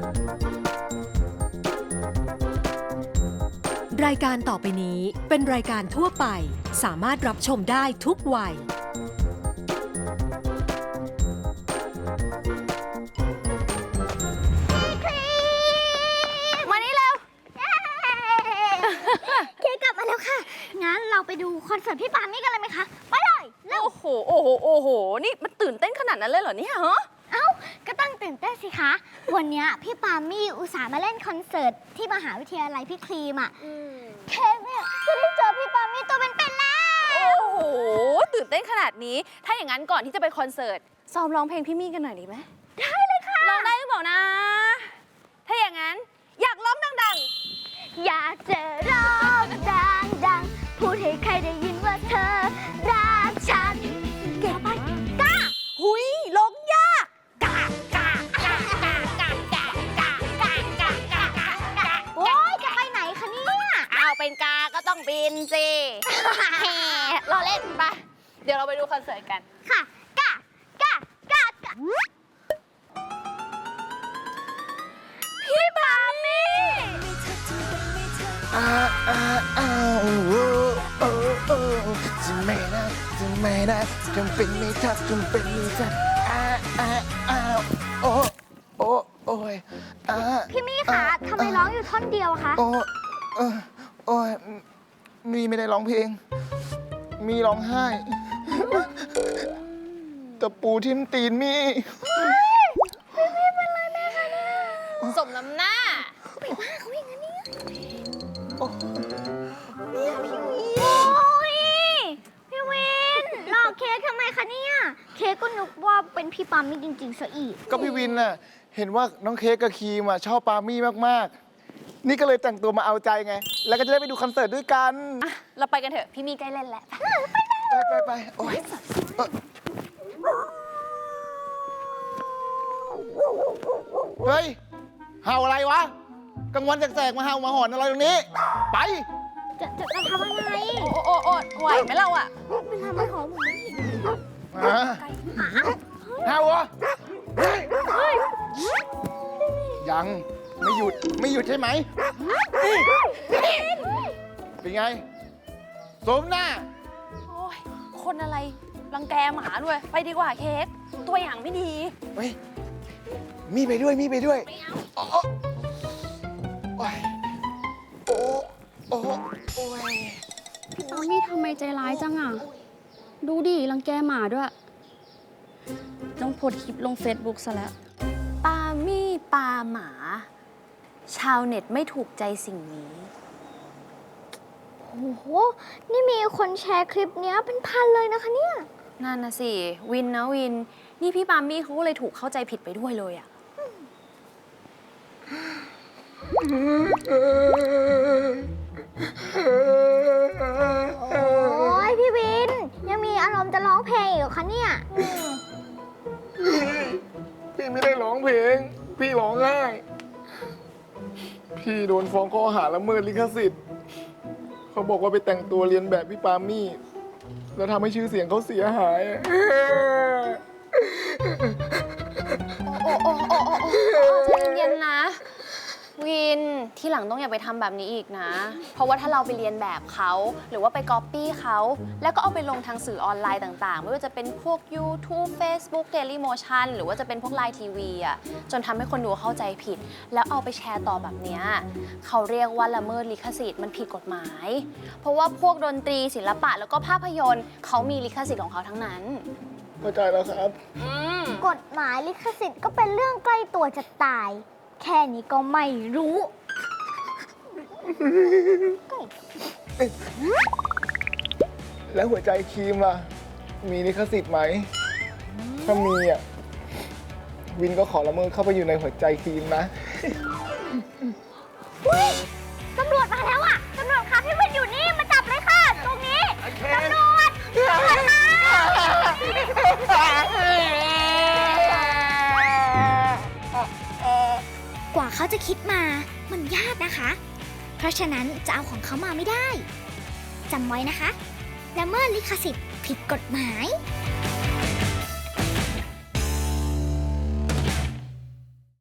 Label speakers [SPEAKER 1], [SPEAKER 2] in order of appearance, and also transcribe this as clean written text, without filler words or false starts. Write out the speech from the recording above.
[SPEAKER 1] รายการต่อไปนี้เป็นรายการทั่วไปสามารถรับชมได้ทุกวัย
[SPEAKER 2] มานี่เร็วเคกลับมาแล้วค่ะงั้นเราไปดูคอนเสิร์ตพี่ปามี่กันเลยไหมคะไปเลยเร็ว
[SPEAKER 3] โอ้โหนี่มันตื่นเต้นขนาดนั้นเลยเหรอเนี่ยฮะ
[SPEAKER 2] เอ้าก็ต้องตื่นเต้นสิคะวันนี้พี่ปามี่อุตส่าห์มาเล่นคอนเสิร์ตที่มหาวิทยาลัยพี่ครีมอ่ะเค้กเนี่ยจะได้เจอพี่ปามี่ตัวเป็นๆแล้ว
[SPEAKER 3] โอ้โหตื่นเต้นขนาดนี้ถ้าอย่างนั้นก่อนที่จะไปคอนเสิร์ตซ้อมร้องเพลงพี่มี่กันหน่อยดีไหม
[SPEAKER 2] ได้เลยค่ะ
[SPEAKER 3] ร้องได้หรือเปล่านะถ้าอย่างนั้นอยากร้องดัง
[SPEAKER 2] อยากจะร้องดังๆพูดให้ใครได้ยินว่าเธอรักฉันเก่งไปกล้า
[SPEAKER 3] ๆหุยร้องยาก
[SPEAKER 2] โอ๊ยจะไปไหนคะเนี่ย
[SPEAKER 3] เอาเป็นกาก็ต้องบินสิแหมเราเล่นไปเดี๋ยวเราไปดูคอนเสิร์ตกัน
[SPEAKER 2] ค่ะกล้า
[SPEAKER 3] พี่ปามี่
[SPEAKER 4] จะไม่ได้จำเป็นไม่ทักจำเป็นไม่ทักโอ้ย
[SPEAKER 2] พี่มี่คะทำไมร้องอยู่ท่อนเดียวอะคะ
[SPEAKER 4] โอ้ยมีไม่ได้ร้องเพลง มีร้องไห้ตะปูทิ่มตีนมี
[SPEAKER 3] สมน้ำหน้า
[SPEAKER 2] ไปว่าเขาอย่างนั้นเนี่ย
[SPEAKER 4] โอ้
[SPEAKER 2] โอ้ยพี่วินหลอกเค้กทำไมคะเนี่ยเค้กก็นึกว่าเป็นพี่ปามี่จริงๆซะอีก
[SPEAKER 4] ก็พี่วินน่ะเห็นว่าน้องเค้กกับครีมชอบปามี่มากๆนี่ก็เลยแต่งตัวมาเอาใจไงแล้วก็จะได้ไปดูคอนเสิร์ตด้วยกัน
[SPEAKER 3] อ่ะเราไปกันเถอะพี่มี่ใกล้เล่นแล้ว
[SPEAKER 4] ไปโอ้ยเฮ้ยเห่าอะไรวะกลางวันแสกๆมาเห่ามาหอนอะไรตรงนี้ไป
[SPEAKER 2] จะทำอะไร
[SPEAKER 3] โอ้ไหวไหมเราอ่ะ
[SPEAKER 2] เป็นทำอะไรของผมไม่เห็น
[SPEAKER 4] เห่าเหรอเฮ้ยยังไม่หยุดใช่ไหมเป็นไงสมหน้า
[SPEAKER 3] โอ้ยคนอะไรรังแกหมาด้วยไปดีกว่าเค้กตัวอย่างไม่ดี
[SPEAKER 4] เฮ้ยมีไปด้วยไม่เอาโอ้ยโอ้ย
[SPEAKER 5] พี่ปามี่ทำไมใจร้ายจังอ่ะ ดูดิรังแกหมาด้วย ต้องโพสต์คลิปลง Facebook ซะแล้ว
[SPEAKER 3] ปามี่ปาหมา ชาวเน็ตไม่ถูกใจสิ่งนี้
[SPEAKER 2] โอ้โหนี่มีคนแชร์คลิปเนี้ยเป็นพันเลยนะคะเนี่ย
[SPEAKER 3] นั่นนะสิวินนะวิน นี่พี่ปามี่เขาก็เลยถูกเข้าใจผิดไปด้วยเลยอ่ะ
[SPEAKER 2] โอ้ยพี่วิน ยังมีอารมณ์จะร้องเพลงอีกเหรอคะเนี่ย
[SPEAKER 4] พี่ไม่ได้ร้องเพลงพี่ร้องไห้พี่โดนฟ้องข้อหาละเมิดลิขสิทธิ์เขาบอกว่าไปแต่งตัวเรียนแบบพี่ปามี่แล้วทำให้ชื่อเสียงเขาเสียหาย
[SPEAKER 3] ใจเย็นๆนะ วินที่หลังต้องอย่าไปทำแบบนี้อีกนะ เพราะว่าถ้าเราไปเรียนแบบเขาหรือว่าไปก๊อปปี้เขาแล้วก็เอาไปลงทางสื่อออนไลน์ต่างๆ ไม่ว่าจะเป็นพวก YouTube Facebook Dailymotion หรือว่าจะเป็นพวก Line TV อ่ะจนทำให้คนดูเข้าใจผิด แล้วเอาไปแชร์ต่อแบบเนี้ยเขาเรียกว่าละเมิดลิขสิทธิ์มันผิดกฎหมาย เพราะว่าพวกดนตรีศิลปะแล้วก็ภาพยนตร์เขามีลิขสิทธิ์ของเขาทั้งนั้น
[SPEAKER 4] เข้าใจแล้วครับ
[SPEAKER 2] กฎหมายลิขสิทธิ์ก็เป็นเรื่องใกล้ตัวจะตาย แค่นี้ก็ไม่รู้
[SPEAKER 4] แล้วหัวใจครีมล่ะ มีลิขสิทธิ์ไหม ถ้ามีอ่ะ วินก็ขอละเมิดเข้าไปอยู่ในหัวใจครีมนะ
[SPEAKER 2] ตำรวจมาแล้วอ่ะ ตำรวจคะพี่วินอยู่นี่มาจับเลยค่ะ ตรงนี้ ตำรวจกว่าเขาจะคิดมา มันยากนะคะ เพราะฉะนั้นจะเอาของเขามาไม่ได้ จำไว้นะคะละเมิดลิขสิทธิ์ผิดกฎหมาย